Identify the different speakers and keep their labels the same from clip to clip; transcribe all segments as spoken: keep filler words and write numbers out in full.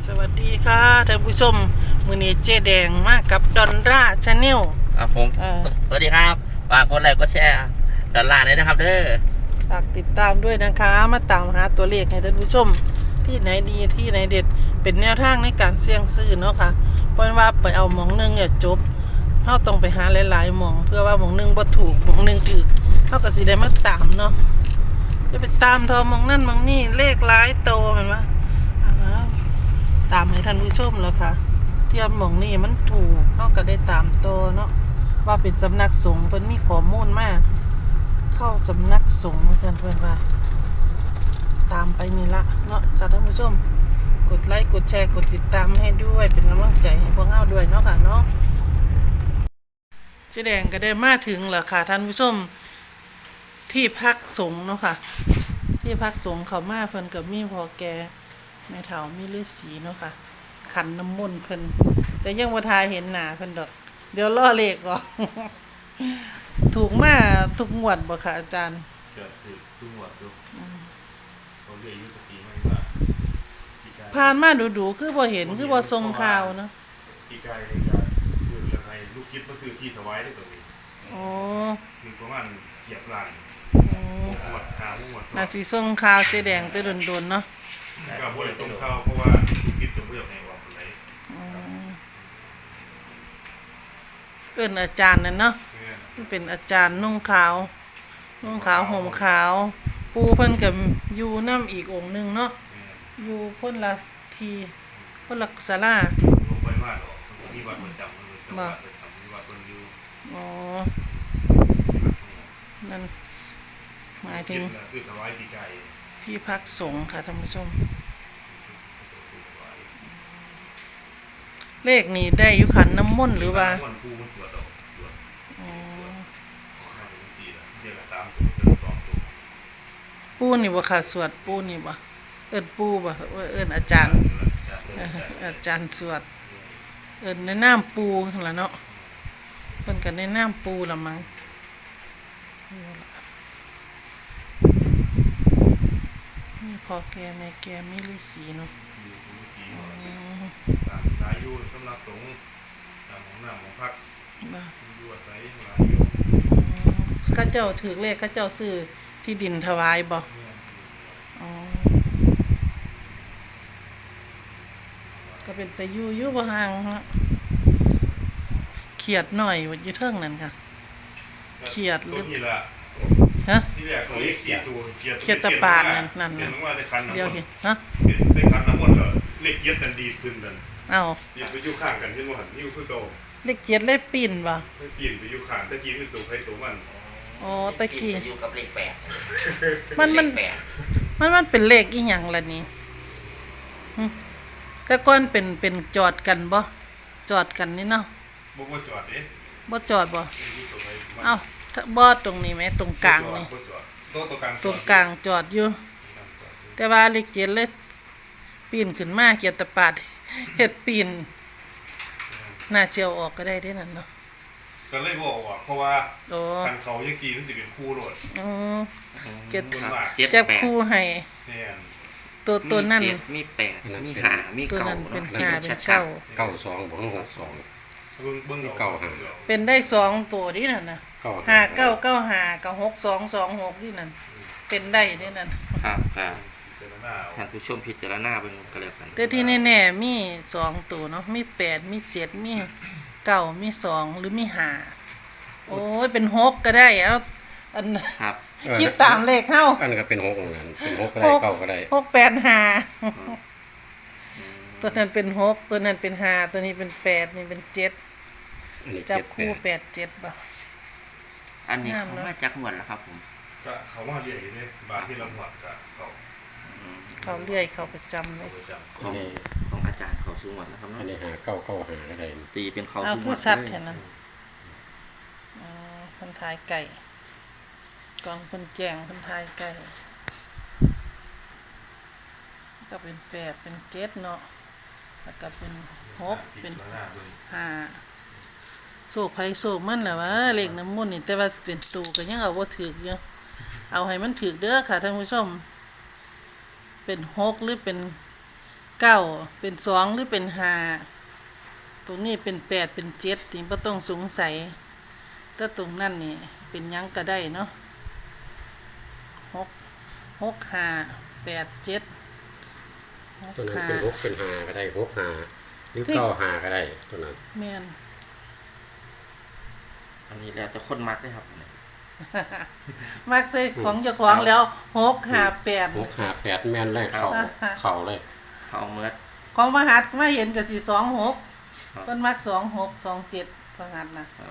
Speaker 1: สวัสดีค่ะท่านผู้ชมมื้อนี้เจ๊แดงมากับดอนร่าชาแนล
Speaker 2: ครับผมสวัสดีครับฝากกดไลค์กดแชร์ดอลลาร์ด้วยนะครับเด้อ
Speaker 1: ฝากติดตามด้วยนะคะมาตามหาตัวเลขให้ท่านผู้ชมที่ไหนดีที่ไหนเด็ดเป็นแนวทางในการเสี่ยงซื้อเนาะค่ะเพราะว่าไปเอาหม่องนึงเนี่ยจบเฮาต้องไปหาหลายๆหม่องเพื่อว่าหม่องนึงบ่ถูกหม่องนึงถูกเฮาก็สิได้มาตามเนาะจะไปตามทอหม่องนั่นหม่องนี่เลขหลายโตแม่นบ่ตามให้ท่านผู้ชมแล้วค่ะเทียมหม่องนี่มันถูกเฮาก็ได้ตามโตเนาะว่าเป็นสำนักสงฆ์เพิ่นมีข้อมูลมาเข้าสำนักสงฆ์ว่าซั่นเพิ่นว่าตามไปนี่ละเนาะค่ะท่านผู้ชมกดไลค์กดแชร์กดติดตามให้ด้วยเป็นกำลังใจให้พวกเราด้วยเนาะค่ะเนาะเจ๊แดงก็ได้มาถึงแล้วค่ะท่านผู้ชมที่พักสงฆ์เนาะค่ะที่พักสงฆ์เขามาเพิ่นก็มีพ่อแก่แม่เฒ่ามีฤาษีเนาะค่ะขันน้ำมนต์เพิ่นแต่ยังบ่ทาเห็นหน้าเพิ่นดอกเดี๋ยวล่อเลขก่อน ถูกมาทุกงวดบ่ค่ะอาจารย์
Speaker 3: จะถือทุกงวดดูเขาเรียกอายุตะกี้ไม่ว่า
Speaker 1: ผ่านมาดูๆคือบ่เห็นคือบ่ทรงข่าวเนาะ
Speaker 3: ปีกายในการถือยังไงลูกคิดมาซื้อที่ถวายได้ตรงนี้
Speaker 1: อ๋อ
Speaker 3: มีประมาณเกียบล้าน
Speaker 1: อ๋อ
Speaker 3: หมดหาหมด
Speaker 1: น่าสิทรงข่าวเจ๊แดงแต่โดนๆเนาะ
Speaker 3: ก็บ่ได้ตรงเข้าเพราะว่าลูกคิดจะบ่อยากให้ว่าปานใด
Speaker 1: อ๋อเอิ้นอาจารย์นั่นเนาะเป็นอาจารย์นุ่งขาวนุ่งขาวห่มขาวปูเพิ่นก็อยู่นำอีกองค์นึงเนาะอยู่คนละทีคนละศาลา
Speaker 3: บ่ค่อยมาดอกมีวัดประจำเลยจังหวัดประจำมีวัดเพิ่นอยู่
Speaker 1: อ๋อนั่นหมายถึง
Speaker 3: คือถวายปีกาย
Speaker 1: ที่พักสงฆ์ค่ะท่านผู้ชมเลขนี้ได้อยู่ขันน้ำมนต์หรือว่าปูนี่บ่ค่ะสวดปูนี่บ่เอิ้นปูบ่เอิ้นอาจารย์อาจารย์สวดเอิ้นในนามปูนั่นล่ะเนาะเพิ่นก็ในนามปูละมั้งนี่พ่อแก่แม่แก่มีฤาษีเนาะ
Speaker 3: ตามสายอยู่สำนักสงฆ์ตามของน้ำของพักอยู่อาศัยหลายอยู่
Speaker 1: ข้าเจ้าถือเลขข้าเจ้าซื้อที่ดินถวายบ่อ๋อก็เป็นแต่อยู่อยู่บ่ห่างฮะเขียดหน่อยว่าอยู่เทิงนั่นค่ะเขียดหรือฮะ
Speaker 3: ที่แรกเขาเรียกเขียดตัวเขียด
Speaker 1: เขียดตะปาดนั่นนั่นน่ะเดี๋ยวเห็นฮะ
Speaker 3: ได้คันน้ำมนต์ก็เลขเขียดกันดีขึ้นนั่น
Speaker 1: เอ้า
Speaker 3: อย่าไปอยู่ข้างกันเห็นบ่หั่นอยู่คือเก่า
Speaker 1: เลขเขียดเลขปีนบ่
Speaker 3: ไม่ปีนไปอยู่ข้างตะกี้เป็นตัวใครตัวมัน
Speaker 1: อ๋อตะกี้
Speaker 2: อยู่กับเลขแปด
Speaker 1: มันมันมันมันเป็นเลขอีหยังล่ะนี่แต่ก่อนเป็นเป็นจอดกันบ่จอดกันนี่เนาะ
Speaker 3: บ่บ่จอดเด้
Speaker 1: บ่จอดบ่เอ้าบ่ตรงนี้ไหมตรงกลางนี่
Speaker 3: ตรงกลาง
Speaker 1: ตรงกลางจอดอยู่แต่ว่าเลขเจ็ดเลยปีนขึ้นมาเกียรติปาดเฮ็ดปีนน่าเจียวออกก็ได้เด้นั่นเนาะ
Speaker 3: ก็เลยบ่ออกเพราะว่าคันเขาจังซี่มันสิเป็นคู่โลด
Speaker 1: อ๋อเจ็ดเจ็บคู่ให้
Speaker 3: แม่น
Speaker 1: ตัวตัวนั้น
Speaker 2: มีแปดมีห้ามีเก้า
Speaker 1: ตัวนั้นเป็นห้าเป็นเก้า
Speaker 4: เก้าสองบ่หกสอง
Speaker 3: เบิ่งเบิ่ง
Speaker 4: เก้าห้า
Speaker 1: เป็นได้สองตัวนี่นั่นน่ะห้าเก้าเก้าห้ากับหกสองสองหกนี่นั่นเป็นได้นี่นั่น
Speaker 2: ครับครับท่านผู้ชมพิจารณาเบิ่งก็แล้วกัน
Speaker 1: แต่ที่แน่ๆมีสองตัวเนาะมีแปดมีเจ็ดมีเก้ามีสองหรือมีห้าโอ้ยเป็นหกก็ได้เอาอัน
Speaker 2: ครับ
Speaker 1: คิดตามเลขเฮา
Speaker 4: อันก็เป็นหกนั่นเป็นหกก็ได้เก้าก็ได้
Speaker 1: หกแปดห้าตัวนั้นเป็นหกตัวนั้นเป็นห้าตัวนี้เป็นแปดนี่เป็นเจ็ดจับคู่แปดเจ็ดบ่
Speaker 2: อันนี้เขามาจากหมวดแล้วครับผม
Speaker 3: ก็เขามาเรื่อยอยู่เด้บาทที่เราหมวดก็เขา
Speaker 1: เขาเรื่อยเขาประจำเลย
Speaker 2: ของของอาจารย์เขาซื้อหมดแล้วครับ
Speaker 4: อันนี้หาเก้าเก้าหาก็ได้
Speaker 2: ตีเป็นเขา
Speaker 1: ซื้อหมดเลยอ๋อคนทายไก่กองคนแจงคนทายไก่ก็เป็นแปดเป็นเจ็ดเนาะแล้วก็เป็นหกเป็นห้าโศกไผโศกมันแหละวะเลขน้ำมนต์นี่แต่ว่าเป็นตูก็ยังเอาว่าถืออยู่เอาให้มันถือเด้อค่ะท่านผู้ชมเป็นหกหรือเป็นเก้าเป็นสองหรือเป็นห้าตรงนี้เป็นแปดเป็นเจ็ดนี่บ่ต้องสงสัยแต่ตรงนั้นนี่เป็นหยังก็ได้เนาะหกหกห้าแปดเจ็ดหก
Speaker 4: ตัวนั้น
Speaker 1: ห้า
Speaker 4: เป็นหกเป็นห้าก็ได้หกห้าหรือเก้าห้าก็ได้ตัวนั้น
Speaker 1: แม่น
Speaker 2: อันนี้แล้วจะคนมักเลยครับ
Speaker 1: มักใส่ของเจ้าของแล้วหกห้าแปด
Speaker 4: หกห้าแปดแม่นเลยเข่าเข่าเลย
Speaker 2: เขาเมื่อ
Speaker 1: ของมหัดมาเห็นก็สิสองหก
Speaker 2: ครับ
Speaker 1: เพิ่นมักสองหกสองเจ็ดมหัดนะครับ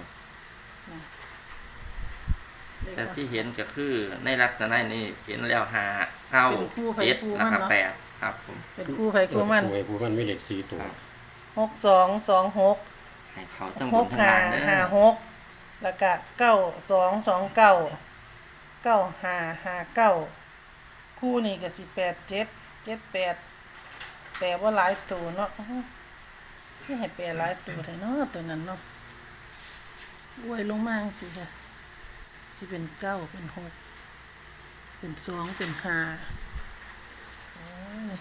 Speaker 2: แต่ที่เห็นก็คือในลักษณะนี้เห็นแล้วห้าเก้าเจ็ดแล้วก็แปดครับผม
Speaker 1: เป็นคู่ไผคู่มัน
Speaker 4: เออผู้มันมีเลขสี่ตัว
Speaker 2: ครับ
Speaker 1: หกสองสองหก
Speaker 2: ให้เขาจัง
Speaker 1: ห
Speaker 2: บุญ
Speaker 1: ก
Speaker 2: ทั้ง
Speaker 1: ห้า
Speaker 2: หลายเด้
Speaker 1: ห้า
Speaker 2: อ
Speaker 1: หกแล้วก็เก้าสองสองเก้าเก้าห้าห้าเก้าคู่นี้ก็สิแปดเจ็ดเจ็ดแปดแต่ว่าหลายตัวเนาะอื้อที่ให้แปลหลายตัวแท้เนาะตัวนั้นเนาะอวยลงมาจังสิค่ะสิเป็นเก้าเป็นหกเป็นสองเป็นห้าโอ้ย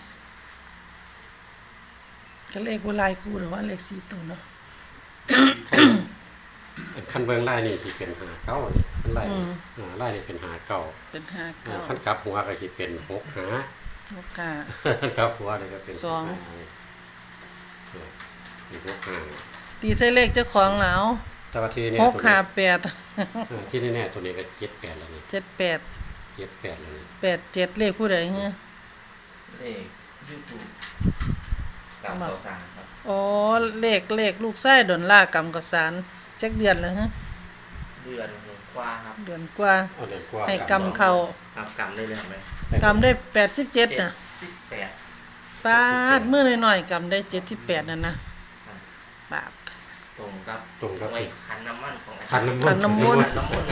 Speaker 1: ก็เลขว่าหลายคู่หรือว่าเลขสี่ตัวเนาะ
Speaker 4: ขั้นเบื้องไล่นี่ที่เป็นหาเก้านี่ขั้นไล่
Speaker 1: อืม
Speaker 4: อ่าไล่นี่เป็นหาเก้า
Speaker 1: เป็นห้า
Speaker 4: อ่า
Speaker 1: เก้า
Speaker 4: ขั้นกลับหัวก็ที่เป็นหกหา
Speaker 1: หกห้า
Speaker 4: ขั้นกลับหัวนี่ก็เป็น
Speaker 1: สอง
Speaker 4: หกหาเป็นหกหา
Speaker 1: ตีใส่เลขเจ้าของแล้ว
Speaker 4: แต่ว่าที่เนี่ย
Speaker 1: หก
Speaker 4: ตัว
Speaker 1: ห้า
Speaker 4: นี้
Speaker 1: แปด
Speaker 4: อ่าที่แน่ๆตัวนี้ก็เจ็ดแปดแล้วนี่
Speaker 1: เจ็ดแปด
Speaker 4: เจ็ดแปดแล้วนี่
Speaker 1: แปดเจ็ดเลขผู้ใดเนี่ย
Speaker 2: เลขยูทูบกับเขาสามครับ
Speaker 1: อ๋อเลขเลขลูกไส้ดอนล่ากรรมกับสารจักเดือนแล้วฮะ
Speaker 2: เดือนหนึ่งกว่าครับ
Speaker 1: เดือนกว่า
Speaker 4: เอาเดือนกว่า
Speaker 1: ให้กรรมเขา
Speaker 2: ครับกรรมได้เลยไหม
Speaker 1: กรรมได้แปดสิบเจ็ดน่ะ
Speaker 2: สิบแปด
Speaker 1: ปาดเมื่อหน่อยๆกรรมได้เจ็ดสิบแปดนั่นนะปาด
Speaker 2: ตรงกับ
Speaker 4: ตรงกับ
Speaker 2: ไว้ขันน้ำมันของอา
Speaker 4: ขั
Speaker 2: จาน รย์
Speaker 4: น้ำมนต์
Speaker 1: ขันน้ำมนต์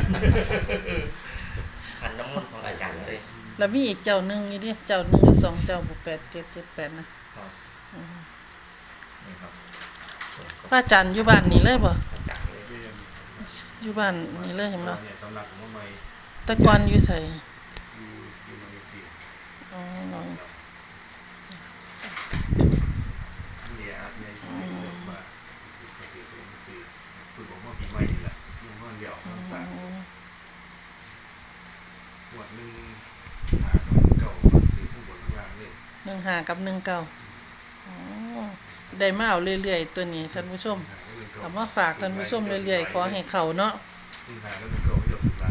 Speaker 2: ขันน้ำมันขันน้ำมันของอาจารย์เลย
Speaker 1: แล้วมีอีกเจ้าหนึ่งอยู่ดิเจ้าหนึ่งหรือสองเจ้าบุแปดเจ็ดเจ็ดแปดนะครับ อืม
Speaker 2: นี่ครับ
Speaker 1: ป้าจันอยู่บ้านนี่เลยบ่
Speaker 2: อาจารย์เลย
Speaker 3: เรียน
Speaker 1: อยู่บ้านนี่เลยเห็นบ่
Speaker 3: เนี่ยสำนักของใหม่
Speaker 1: แต่ก่อนอยู่ใส่
Speaker 3: อยู่อยู่ในที่
Speaker 1: อ๋อน้อง
Speaker 3: เนี่ยอาจในที่บอกว่าสิบกว่าปีเป็นปีคือบอกว่าปีใหม่นี่แหละยังว่าเดียวทั้งสามหวดหนึ่งหากับเก่าคือผู้บนข้างล่างเลย
Speaker 1: หนึ่งห้ากับหนึ่งเก้าอ๋อได้มาเอาเรื่อยๆตัวนี้ท่านผู้ชม
Speaker 3: หากับหนึ่งเก่า
Speaker 1: เอามาฝากท่านผู้ชมเรื่อยๆขอให้เขาเนาะ
Speaker 3: หนึ่งหากับหนึ่งเก่าเยอะเป็นหลาย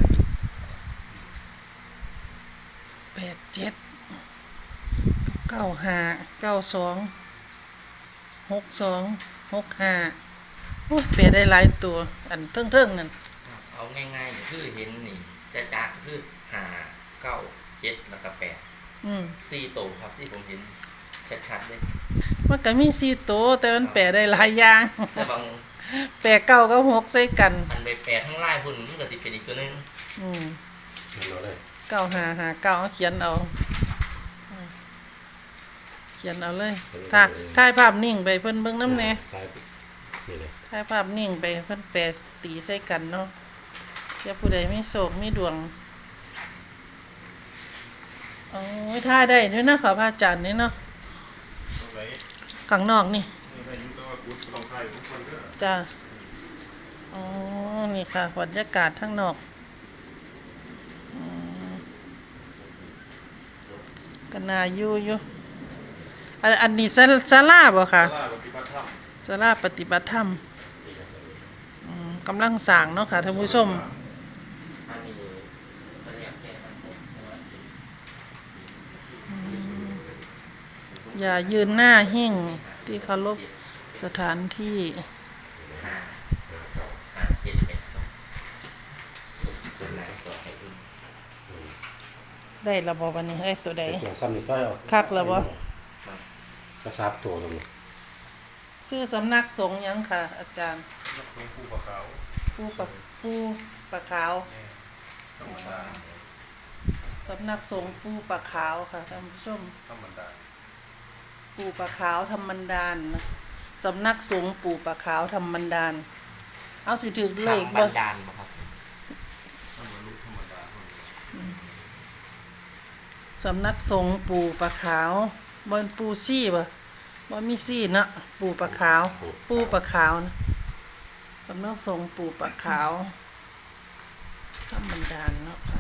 Speaker 1: แปดเจ็ดเก้าห้าเก้าสองหกสองหกห้าโอ้ยเปลี่ยนได้หลายตัว อันเทิงๆนั่น
Speaker 2: เอาง่ายๆคือเห็นนี่จะจักคือห้าเก้าเจ็ดแล้วก็แปด
Speaker 1: อืม
Speaker 2: สี่โตวครับที่ผมเห็นชัดๆเลย
Speaker 1: มันก็มีสี่ตัวแต่มันแปลได้หลายอย่าง
Speaker 2: แต่บาง
Speaker 1: แปลเก้ากับหกใส่กัน
Speaker 2: อันไปแปดทั้งไล่หุ่นมันก็ติเป็นอีกตัวหนึง
Speaker 1: อืม
Speaker 4: เห็นเอาเลย
Speaker 1: เก้าห้าห้าเก้าเอาเขียนเอาอืมเขียนเอาเลยถ้าถ่ายภาพนิ่งไปเพิ่นเบิ่งน้ำแหน่
Speaker 4: ใช่นี่เลย
Speaker 1: ถ่ายภาพนิ่งไปเพิ่นแปลตีใส่กันเนาะเดี๋ยวผู้ใดมีโศกมีดวงโอ้ยถ่ายได้ด้วยนะขอพระอาจารย์นี่เนาะ
Speaker 3: ตรงไหน
Speaker 1: ข้างนอกนี่
Speaker 3: นี่อายุก็ว่ากุศลองไทยทุกคนก็
Speaker 1: จ้าอ๋อนี่ค่ะบรรยากาศข้างนอกอืมก็น่าอยู่อยู่อันอันนี้ศาศาลาบ่ค่ะ
Speaker 3: ตลาดปฏิบัติธรรม
Speaker 1: ศาลาปฏิบัติธรรมอืมกำลังสร้างเนาะค่ะท่านผู้ชม
Speaker 2: อันนี้ตัวเนี้ยแค่นั้นผมแต่ว่า
Speaker 1: อย่ายืนหน้าหิ้งที่เคารพสถานที่
Speaker 2: ห้าห้าเจ็ดแปดสองตัวไหนตัวไหนอื่น
Speaker 1: ได้ระบบวันนี้เฮ้ยตัวใด
Speaker 4: ตัวซ้ำนี่ก็เอา
Speaker 1: คักแล้วบ่
Speaker 2: ครับ
Speaker 4: กระซับตัวตรงนี้
Speaker 1: ชื่อสำนักสงฆ์หยังค่ะ อาจารย์
Speaker 3: นักลงผู้ปะขาว
Speaker 1: ผู้ปะผู้ปะขาว
Speaker 3: เนี่ยธรรมดา
Speaker 1: สำนักสงฆ์ผู้ปะขาวค่ะท่านผู้ชม
Speaker 3: ธรรมดา
Speaker 1: ปู่ปะขาวธรรมันดานนะสำนักสงฆ์ปู่ปะขาวธรรมันดาน เอาสิถึกเลข
Speaker 2: ทางบั
Speaker 1: บ่
Speaker 2: นดาลบ่ครับ
Speaker 3: ธรรมลุธรรมดาคนเดียว
Speaker 1: สำนักสงฆ์ปู่ปะขาวบนปู่ซี่บ่ว่ามีซีเนาะปูปลาขาว ปูปลาขาวนะสำนักสงฆ์ปูปลาขาวธรรมดาเนาะค่ะ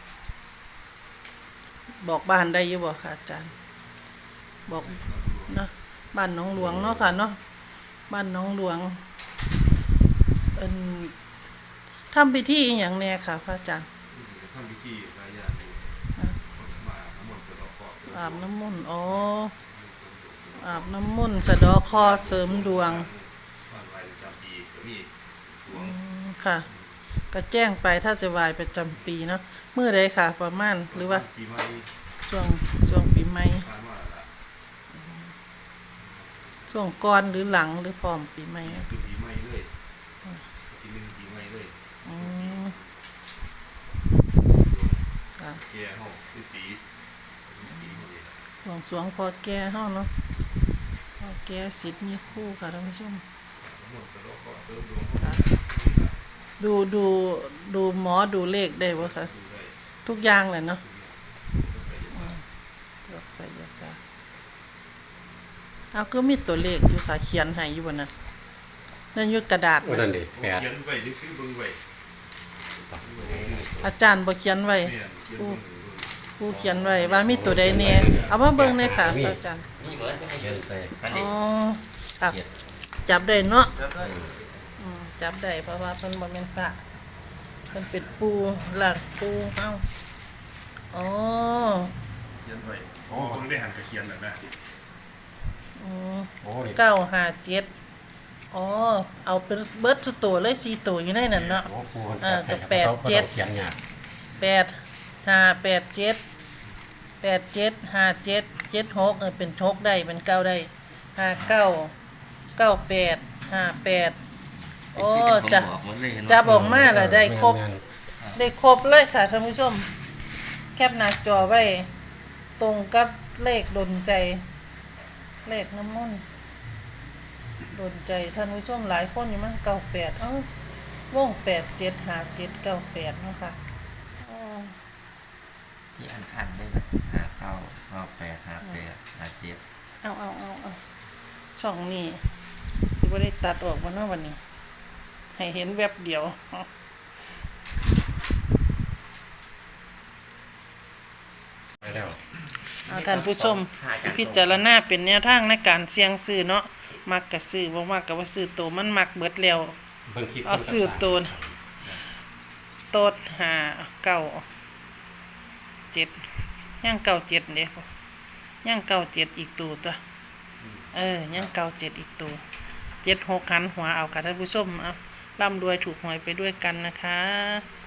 Speaker 1: บอกบ้านได้อยู่บ่ค่ะอาจารย์ บอกเนาะบ้านหนองหลวงเนาะค่ะเนาะบ้านหนองหลวงเอิ้นทำพิธีอหย่างแน่ค่ะพระอาจารย์
Speaker 3: ทำพิธีหลายอย่างอยู่มาน้ำมนต์สะดอกเคราะห์
Speaker 1: อาบน้ำมนต์อ๋ออาบน้ำมนต์สะเดอคอเสริมดวง
Speaker 3: บ้านไว้ประจำปีก็มีสว
Speaker 1: อื
Speaker 3: ง
Speaker 1: มค่ะ ก็แจ้งไปถ้าจะไหวายประจำปีเนาะมื้อใดค่ะ ประมาณหรือว่า
Speaker 3: ปีใหม่
Speaker 1: ช่วงช่วงปีใหม่
Speaker 3: ผ่านมาละ
Speaker 1: ช่วงก่อนหรือหลังหรือพร้อมปีใหม่
Speaker 3: คือปีใหม่เลยทีหนึงปีใหม่เลย
Speaker 1: อืมค่ะ
Speaker 3: แก่ห้องคือสีสีหมดเลย
Speaker 1: หลวงสรวงพอแก่เฮาเนาะพอแก่สิทธิ์มีคู่ค่ะท่านผู้ชม
Speaker 3: น้ำมนต์สะดอกเคราะห์เสริมดวง
Speaker 1: ค่ะ ดูดูดูหมอดูเลขได้บ่คะ
Speaker 3: ดูได้
Speaker 1: ทุกอย่างเลยเนาะ
Speaker 3: ใส่ยา
Speaker 1: เลือกไสยศาสตร์เอาก็มีตัวเลขอยู่ค่ะเขียนให้อยู่บนนั้นนั่นอยู่กระดาษ
Speaker 4: โอ้นั่นดิแปด
Speaker 3: เขียนไว้หรือคือเบิ่งไว้
Speaker 1: อาจารย์บ่เขียนไว้
Speaker 3: เนี่ยเขียนเบิ่ง
Speaker 1: ผู้เขียนไว้ว่ามีตัวใดแน่เอามาเบิ่งเลยค่ะพระอาจารย์
Speaker 2: นี่เหมือนจะไม่
Speaker 4: เขี
Speaker 2: เย
Speaker 4: ยน
Speaker 2: อะ
Speaker 4: ใส่
Speaker 2: อัน
Speaker 1: อ๋
Speaker 2: นี้
Speaker 1: อครับจับได้เนาะ
Speaker 3: ครับได้
Speaker 1: อืมจับได้เพราะว่าเพิ่นบ่แม่นพระเพิ่นเป็นปูหลักปูเอ้าอ๋อ
Speaker 3: เขียนไว้โอ้เบิ่งได้หันกับเขียนน่ะนะ
Speaker 1: อืม
Speaker 4: โอ้นี่
Speaker 1: เก้าห้าเจ็ดอ๋อเอาเป็นเบิดสุดตัวเลยสี่ตัวอยู่ในนั้นเนาะ
Speaker 4: โอ้ปูมัน
Speaker 1: อ่า
Speaker 4: จับให้
Speaker 1: ก็แปด
Speaker 4: ขาขา
Speaker 1: เจ็ด
Speaker 4: เขียนยาก
Speaker 1: แปดห้าแปดเจ็ดแปดเจ็ดห้าเจ็ดเจ็ดหกเออเป็นหกได้เป็นเก้าได้ห้าเก้าเก้าแปดห้าแปดโอ้จะ
Speaker 2: ผมบอกหมดเลยเห็นไหม
Speaker 1: จะบอกมาแล้วได้ครบ
Speaker 4: แม่น
Speaker 1: ได้ครบเลยค่ะท่านผู้ชม แคปหน้าจอไว้ ตรงกับเลขดนใจ เลขน้ำมันต์ดนใจท่านผู้ชมหลายคนอยู่มั้งเก้าแปดเอ้าวงแปดเจ็ดหาเจ็ดเก้าแปดเนาะค่ะอ๋อ
Speaker 2: ที่อันอันได้แบบหาเก้าเก้าแปดหาแปดหาเจ็ด
Speaker 1: เอาเอาเอาเอาช่องนี้สิบ่ได้ตัดออกมาเนาะวันนี้ ให้เห็นแวบเดียว
Speaker 4: ไปแล้ว
Speaker 1: เอาท่านผู้ชม พิจารณาเป็นแนวทางในการเสี่ยงซื้อเนาะมักก็ซื้อบ่มักก็บ่ซื้อโตวมันมักเบิดแล้ว
Speaker 4: เบิ่งคลิป
Speaker 1: เอาซื้อโตนโตดห้าเก้าเจ็ดย่างเก้าเจ็ดเด้ย่างเก้าเจ็ดอีกตัวตัวเออย่างเก้าเจ็ดอีกตัวเจ็ดหกหันหัวเอาค่ะท่านผู้ชมเอาร่ำรวยถูกหวยไปด้วยกันนะคะ